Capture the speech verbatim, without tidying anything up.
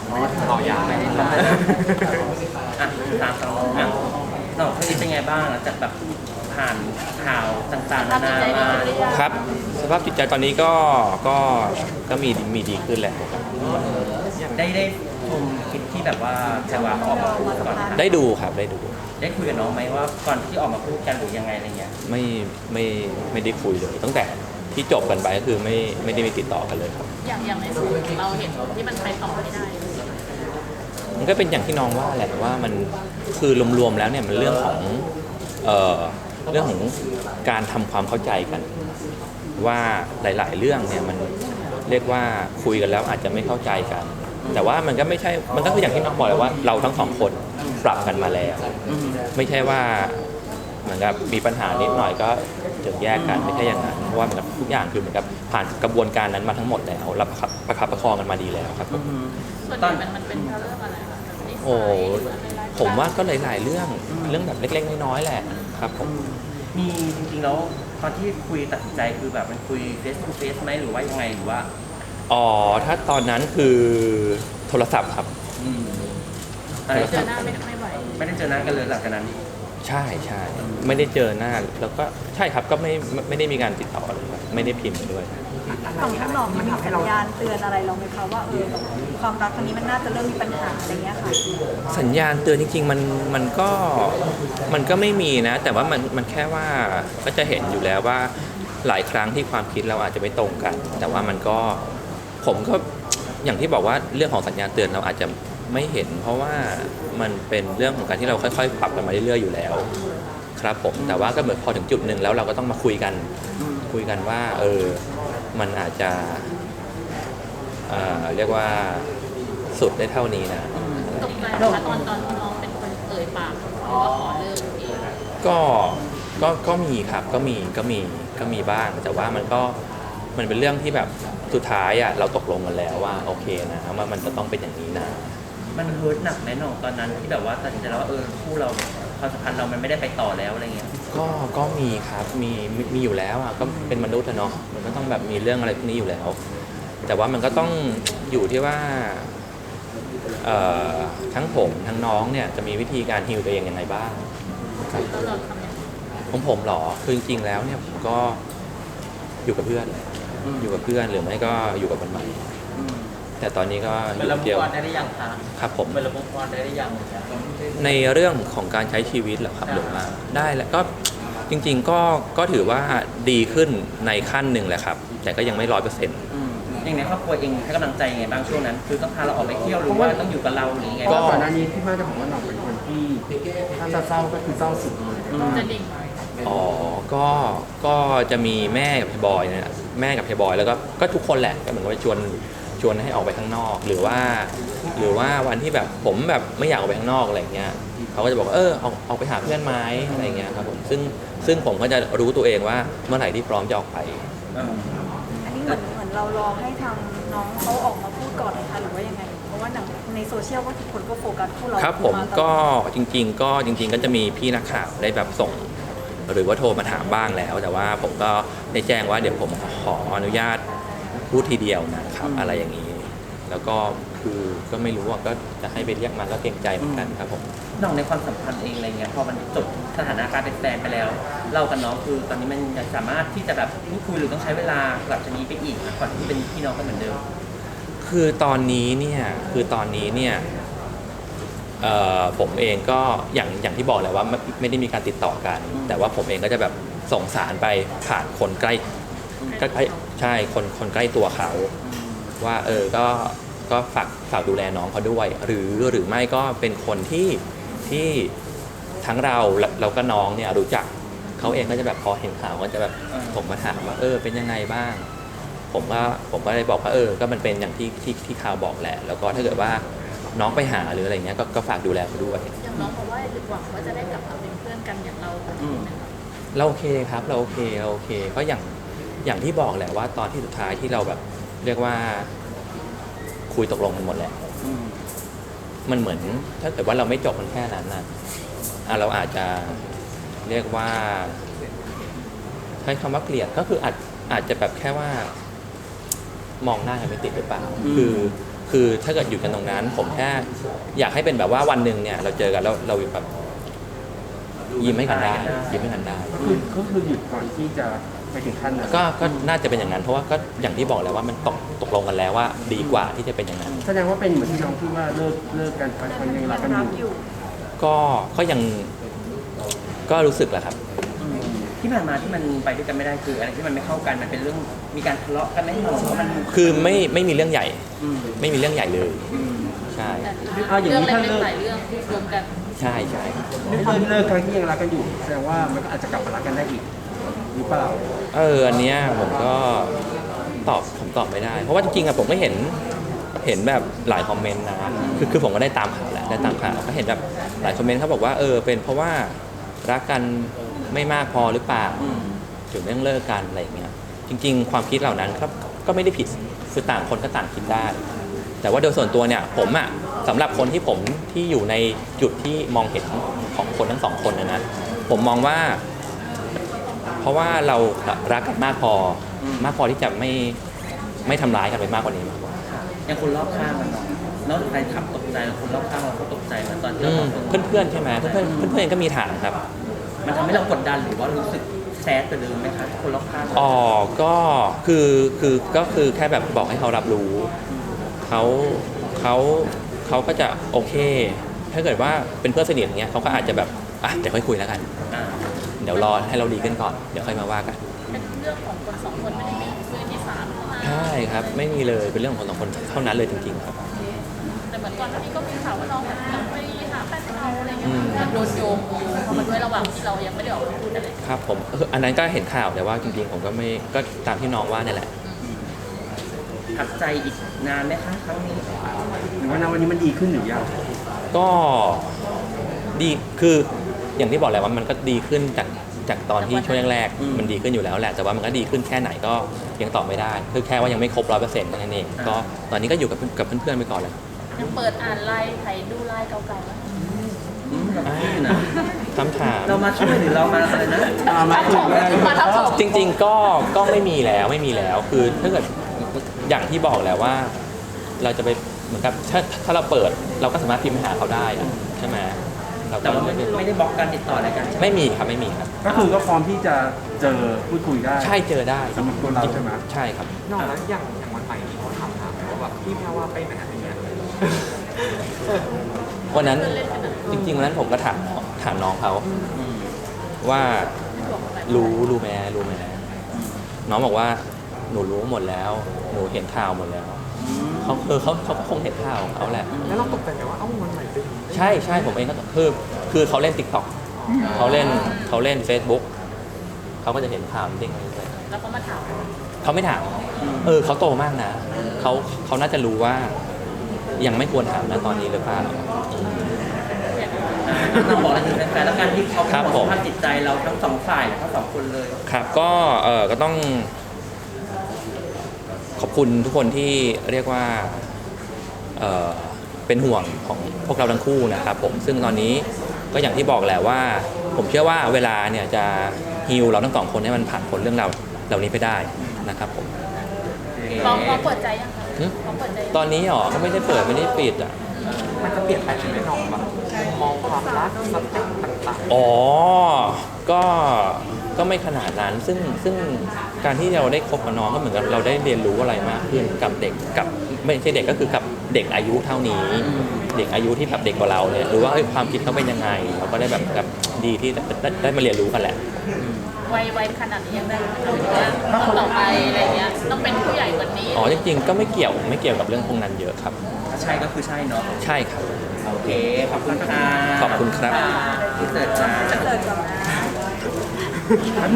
ต่อยาไปให้ต่ออ่ะตามสองอ่ะน้องคนนี้เป็นไงบ้างหลังจากแบบผ่านข่าวต่างๆนานามาครับสภาพจิตใจตอนนี้ก็ก็ก็มีมีดีขึ้นแหละครับได้ได้ชมคลิปที่แบบว่าแพรวาออกมาพูดก่อนค่ะได้ดูครับได้ดูได้คุยกับน้องไหมว่าก่อนที่ออกมาพูดกันหรือยังไงอะไรเงี้ยไม่ไม่ไม่ได้คุยเลยตั้งแต่ที่จบกันไปก็คือไม่ไม่ได้มีติดต่อกันเลยครับอย่างอย่างในส่วนของเราเห็นที่มันไปต่อไม่ได้มันก็เป็นอย่างที่น้องว่าแหละว่ามันคือรวมๆแล้วเนี่ยมันเรื่องของเอ่อเรื่องของการทำความเข้าใจกัน ว่าหลายๆเรื่องเนี่ยมันเรียกว่าคุยกันแล้วอาจจะไม่เข้าใจกัน แต่ว่ามันก็ไม่ใช่มันก็คืออย่างที่น้องบอกเลยว่าเราทั้งสองคนปรับกันมาแล้วไม่ใช่ว่าเหมือนกับมีปัญหานิดหน่อยก็ถึงแยกกันไม่ใช่อย่างนั้นเพราะว่าเหมือนกับทุกอย่างคือเหมือนกับผ่านกระบวนการนั้นมาทั้งหมดแล้วเราประคับประคับประคองกันมาดีแล้วครับส่วนใหญ่มันมันเป็นเพราะเรื่องอะไรคะนิสัยโอ้หรืออะไรไลฟ์สไตล์ผมว่าก็หลายๆเรื่องเรื่องแบบเล็กๆน้อยๆแหละครับผมมีจริงๆแล้วตอนที่คุยตัดสินใจคือแบบมันคุย face to face ไหมหรือว่ายังไงหรือว่าอ๋อถ้าตอนนั้นคือโทรศัพท์ครับอะไรเจอหน้าไม่ไม่ไหวไม่ได้เจอหน้ากันเลยหลังจากนั้นใช่ใช่ไม่ได้เจอหน้าแล้วก็ใช่ครับก็ไม่ไม่ไม่ได้มีการติดต่อเลยครับไม่ได้พิมพ์ด้วยฝั่งข้างนอกมันมีสัญญาณเตือนอะไรเราไหมคะว่าเออความรักครั้งนี้มันน่าจะเริ่มมีปัญหาอะไรเงี้ยค่ะสัญญาณเตือนจริงๆมันมันก็มันก็ไม่มีนะ แต่ว่ามันมันแค่ว่าก็จะเห็นอยู่แล้วว่าหลายครั้งที่ความคิดเราอาจจะไม่ตรงกัน แต่ว่ามันก็ผมก็อย่างที่บอกว่าเรื่องของสัญญาณเตือนเราอาจจะไม่เห็น เพราะว่ามันเป็นเรื่องของการที่เราค่อยๆปรับกันมาเรื่อยๆอยู่แล้ว ครับผมแต่ว่าก็เหมือนพอถึงจุดหนึ่งแล้วเราก็ต้องมาคุยกันคุยกันว่าเออมันอาจจะเอ่อเรียกว่าสุดได้เท่านี้นะตกใจนะคะตอนตอนที่น้องเป็นคนเอ่ยปากว่าขอเลิกเองก็ก็ก็มีครับก็มีก็มีก็มีบ้าง แต่ว่ามันก็มันเป็นเรื่องที่แบบสุดท้ายอ่ะเราตกลงกันแล้วว่าโอเคนะว่ามันจะต้องเป็นอย่างนี้นะมันเฮิร์ตหนักไหมน้องตอนนั้นที่แบบว่าตัดสินใจแล้วว่าเออคู่เราความสัมพันธ์เรามันไม่ได้ไปต่อแล้วอะไรเงี้ยก็ก็มีครับมีมีมีอยู่แล้วอ่ะก็เป็นมนุษย์อะเนาะมันก็ต้องแบบมีเรื่องอะไรพวกนี้อยู่แล้ว แต่ว่ามันก็ต้องอยู่ที่ว่าเอ่อทั้งผมทั้งน้องเนี่ยจะมีวิธีการฮีลตัวเองยังไงบ้างครับแล้วเราทำยังไงของผมเหรอคือจริงๆแล้วเนี่ยผมก็อยู่กับเพื่อนอยู่กับเพื่อนหรือไม่ก็อยู่กับคนใหม่แต่ตอนนี้ก็อยู่คนเดียวได้หรือยังคะครับผมเป็นระบบความได้หรือยังในเรื่องของการใช้ชีวิตเหรอครับหรือว่าได้แล้วก็จริงๆก็ก็ถือว่าดีขึ้นในขั้นหนึ่งแหละครับ แต่ก็ยังไม่ร้อยเปอร์เซ็นต์อย่างในครอบครัวเองให้กำลังใจยังไงบ้างช่วงนั้น คือต้องพาเราออกไปเที่ยวหรือว่าต้องอยู่กับเราหรือยังไงเพราะบ้างว่าก่อนหน้านี้พี่มาจะบอกว่าหน่องเป็นคนที่ถ้าจะเศร้าก็คือเศร้าสุดเลยจะดิ่งไหมอ๋อก็ก็จะมีแม่กับพี่บอยเนี่ยแม่กับพี่บอยแล้วก็ก็ทุกคนแหละก็เหมือนกับว่าชวนชวนให้ออกไปข้างนอก หรือว่า หรือว่าวันที่แบบผมแบบไม่อยากออกไปข้างนอกอะไรเงี้ยเขาก็จะบอกว่าเออออกออกไปหาเพื่อนไหมอะไรเงี้ยครับผมซึ่งซึ่งผมก็จะรู้ตัวเองว่าเมื่อไหร่ที่พร้อมจะออกไปอันนี้เหมือนเหมือนเรารอให้ทางน้องเขาออกมาพูดก่อนเลยค่ะหรือว่ายังไง เพราะว่าในโซเชียลก็ทุกคนก็โฟกัสคู่เราครับผมาตลอดก็จริง ๆ ก็จริง ๆ ก็จะมีพี่นักข่าวได้แบบส่ง หรือว่าโทรมาถามบ้างแล้ว แต่ว่าผมก็ได้แจ้งว่าเดี๋ยวผมขออนุญาตพูดทีเดียวนะครับอะไรอย่างนี้ แล้วก็คือก็ไม่รู้ว่าก็จะให้ไปเรียกมาก็เกรงใจเหมือนกันครับผมน้องในความสัมพันธ์เองอะไรเงี้ยพอมันจบสถานะการเป็นแฟนไปแล้ว เรากับน้องคือตอนนี้มันยังสามารถที่จะแบบพูดคุยหรือต้องใช้เวลาหลังจากนี้ไปอีกนะก่อนที่เป็นพี่น้องกันเหมือนเดิมคือตอนนี้เนี่ยคือตอนนี้เนี่ยเอ่อผมเองก็อย่างอย่างที่บอกแหละว่าไม่ไม่ได้มีการติดต่อกัน แต่ว่าผมเองก็จะแบบส่งสารไปผ่านคนใกล้ใกล้ใช่คนคนใกล้ตัวเขาว่าเออก็ก็ฝากฝากดูแลน้องเขาด้วย หรือหรือไม่ก็เป็นคนที่ที่ทั้งเราเราก็น้องเนี่ยรู้จักเขาเองก็จะแบบพอเห็นข่าวก็จะแบบผมมาถามว่าเออเป็นยังไงบ้าง ผมก็ผมก็เลยบอกว่าเออก็มันเป็นอย่างที่ที่ที่ข่าวบอกแหละ แล้วก็ถ้าเกิดว่าน้องไปหาหรืออะไรเงี้ยก็ก็ฝากดูแลเขาด้วยอย่างน้องบอกว่าหวังว่าจะได้กลับมาเป็นเพื่อนกันอย่างเราแบบนี้นะคะเราโอเคครับเราโอเคเราโอเคก็อย่างอย่างที่บอกแหละว่าตอนที่สุดท้ายที่เราแบบเรียกว่าคุยตกลงกันหมดแหละมันเหมือนถ้าเกิดว่าเราไม่จบมันแค่นั้นนะอ่ะเราอาจจะเรียกว่าใช้คำว่าเกลียดก็คืออาจอาจจะแบบแค่ว่ามองหน้ากันไม่ติดหรือเปล่าคือคคือถ้าเกิดอยู่กันตรงนั้น ผมแค่อยากให้เป็นแบบว่าวันหนึ่งเนี่ยเราเจอกันแล้วเราแบบยิ้มให้กันได้ยิ้มให้กันได้ก็คือก็คือหยุดก่อนที่จะไปถึงขั้นนั้นก็ก็น่าจะเป็นอย่างนั้นเพราะว่าก็อย่างที่บอกแล้วว่ามันตกตกลงกันแล้วว่าดีกว่าที่จะเป็นอย่างนั้นแสดงว่าเป็นเหมือนที่น้องพูดว่าเลิกเลิกกันไปคนยังรักกันรักออยู่ ยู่ก็ก็ยังก็รู้สึกแหละครับที่ผ่านมาที่มันไปด้วยกันไม่ได้คืออะไรที่มันไม่เข้ากันมันเป็นเรื่องมีการทะเลาะกันไหมหรือว่ามันคือไม่ไม่มีเรื่องใหญ่อืมไม่มีเรื่องใหญ่เลยอืมใช่แต่เรื่องเล็กๆหลายเรื่องรวมกันใช่ใช่ด้วยความที่เลิกครั้งที่ยังรักกันอยู่แสดงว่ามันก็อาจจะกลับมารักกันได้อีกหรือเปล่าเอออันเนี้ยผมก็ตอบผมตอบไม่ได้ เพราะว่าจริงๆอะผมก็เห็นเห็นแบบหลายคอมเมนต์นะคือคือผมก็ได้ตามข่าวแหละได้ตามข่าวก็เห็นแบบหลายคอมเมนต์เขาบอกว่าเออเป็นเพราะว่ารักกันไม่มากพอหรือเปล่าอืมถึงเรื่องเลิกกันอะไรอย่างเงี้ยจริง ๆ ความคิดเหล่านั้นครับก็ไม่ได้ผิดคือต่างคนก็ต่างคิดได้ แต่ว่าโดยส่วนตัวเนี่ยผมอะสำหรับคนที่ผมที่อยู่ในจุดที่มองเห็นของคนทั้งสองคนนะนะผมมองว่า เพราะว่าเรารักกันมากพอมากพอที่จะไม่ไม่ทำร้ายกันไปมากกว่านี้มากกว่าอย่างคนรอบข้างมันเนาะนอกจากแฟนคลับตกใจแล้วคนรอบข้างเราก็ตกใจเหมือนตอนที่เราบอกเพื่อนเพื่อนๆใช่ไหมเพื่อนเพื่อนเพื่อนเพื่อนๆก็มีถามครับมันทำให้เรากดดันหรือว่ารู้สึกแซดไปเลยไหมคะคนรอบข้างอ๋อก็คือคือก็คือแค่แบบบอกให้เขารับรู้เขาเขาเขาก็จะโอเค ถ้าเกิดว่าเป็นเพื่อนสนิทอย่างเงี้ยเขาก็อาจจะแบบอ่ะเดี๋ยวค่อยคุยแล้วกันอ่าเดี๋ยวรอให้เราดีขึ้นก่อนเดี๋ยวค่อยมาว่ากันเป็นเรื่องของคนสองคนไม่ได้มีมือที่สามเข้ามาใช่ครับไม่มีเลยเป็นเรื่องของคนสองคนเท่านั้นเลยจริงๆครับแต่เหมือนก่อนหน้านี้ก็มีข่าวว่าน้องกลับไปหาแฟนเราอะไรเงี้อืยมมันโดนโยงเข้ามาด้วยระหว่างที่เรายังไม่ได้ออกมาพูดอะไรครับผมเอออันนั้นก็เห็นข่าวแต่ว่าจริงๆผมก็ไม่ก็ตามที่น้องว่าเนี่ยแหละหักใจอีกนานไหมคะครั้งนี้หรือว่าณวันนี้มันดีขึ้นหรือยังก็ดีคืออย่างที่บอกแหละว่ามันก็ดีขึ้นจากจากตอนที่ช่วงแรกๆมันดีขึ้นอยู่แล้วแหละแต่ว่ามันก็ดีขึ้นแค่ไหนก็ยังตอบไม่ได้คือแค่ว่ายังไม่ครบร้อยเปอร์เซ็นต์นั่นเองก็ตอนนี้ก็อยู่กับกับเพื่อนๆไปก่อนเลยยังเปิดอ่านไลน์ไถดูไลน์เก่าๆไหมอืมเราพูดอยู่นะคำถามเรามาช่วยหรือเรามาอะไรนะมามาถึงเลยมาทับถมจริงๆก็ก็ไม่มีแล้วไม่มีแล้วคือถ้าเกิดอย่างที่บอกแหละว่า เราจะไปเหมือนกับถ้าถ้าเราเปิดเราก็สามารถพิมพ์ไปหาเขาได้อะใช่ไหมเราแต่ก็ว่าไม่ได้ไม่ได้บล็อกการติดต่ออะไรกันใช่ไหมไม่มีครับไม่มีครับก็คือก็พร้อมที่จะเจอพูดคุยได้ใช่เจอได้สำหรับตัวเราใช่ไหมใช่ครับนอกแล้วอย่างอย่างวันใหม่นี้เขาถามหาไหมว่าแบบพี่แพรว่าไปไหนอะไรเงี้ยวันนั้นจริงๆวันนั้นผมก็ถามถามน้องเขาอืมว่ารู้รู้ไหมรู้ไหมน้องบอกว่าหนูรู้หมดแล้ว หนูเห็นข่าวหมดแล้วเขาคือเขาเขาก็คงเห็นข่าวของเขาแหละแล้วเราตกใจไหมว่าเอ้าวันใหม่เป็นอย่างนี้ใช่ใช่ผมเองก็คือคือเขาเล่น TikTok เขาเล่นเขาเล่น Facebook เขาก็จะเห็นข่าวเด้งอะไรไปแล้วเขามาถามเขาไม่ถามเออเขาโตมากนะเขาเขาน่าจะรู้ว่า ยังไม่ควรถามนะตอนนี้หรือเปล่าอ่าเราบอกอะไรถึงแฟนๆแล้วกันที่เขาครับห่วงผมสภาพจิตใจเราทั้งสองฝ่ายทั้งสองคนเลยครับก็เออก็ต้องขอบคุณทุกคนที่เรียกว่าเออเป็นห่วงของพวกเราทั้งคู่นะครับผมซึ่งตอนนี้ก็อย่างที่บอกแหละว่า ผมเชื่อว่าเวลาเนี่ยจะฮีลเราทั้งสองคนให้มันผ่านพ้นเรื่องราวเหล่านี้ไปได้นะครับผมลองลองเปิดใจยังคะหึลองเปิดใจยังตอนนี้หรอก็ไม่ได้เปิดไม่ได้ปิดอ่ะมันจะเปลี่ยนไปไหมน้องแบบมองความรักสเต็ปต่างอ๋อ ก็ ก็ไม่ขนาดนั้น ซึ่ง ซึ่งการที่เราได้คบกับน้องก็เหมือนกับเราได้เรียนรู้อะไรมากขึ้นกับเด็ก กับไม่ใช่เด็กก็คือกับเด็กอายุเท่านี้ เด็กอายุที่แบบเด็กกว่าเราเนี่ยหรือว่าเอ้ยความคิดเขาเป็นยังไง เราก็ได้แบบแบบดีที่ได้ได้ได้มาเรียนรู้กันแหละวัยวัยขนาดนี้ยังได้หรือว่าต้องต่อไปอะไรเงี้ยต้องเป็นผู้ใหญ่กว่านี้อ๋อ จริงๆ ก็ไม่เกี่ยว ไม่เกี่ยวกับเรื่องพวกนั้นเยอะครับถ้าใช่ก็คือใช่เนาะใช่ครับโอเค ขอบคุณค่ะขอบคุณครับที่เสิร์ฟจ้าเกิดก่อนนะ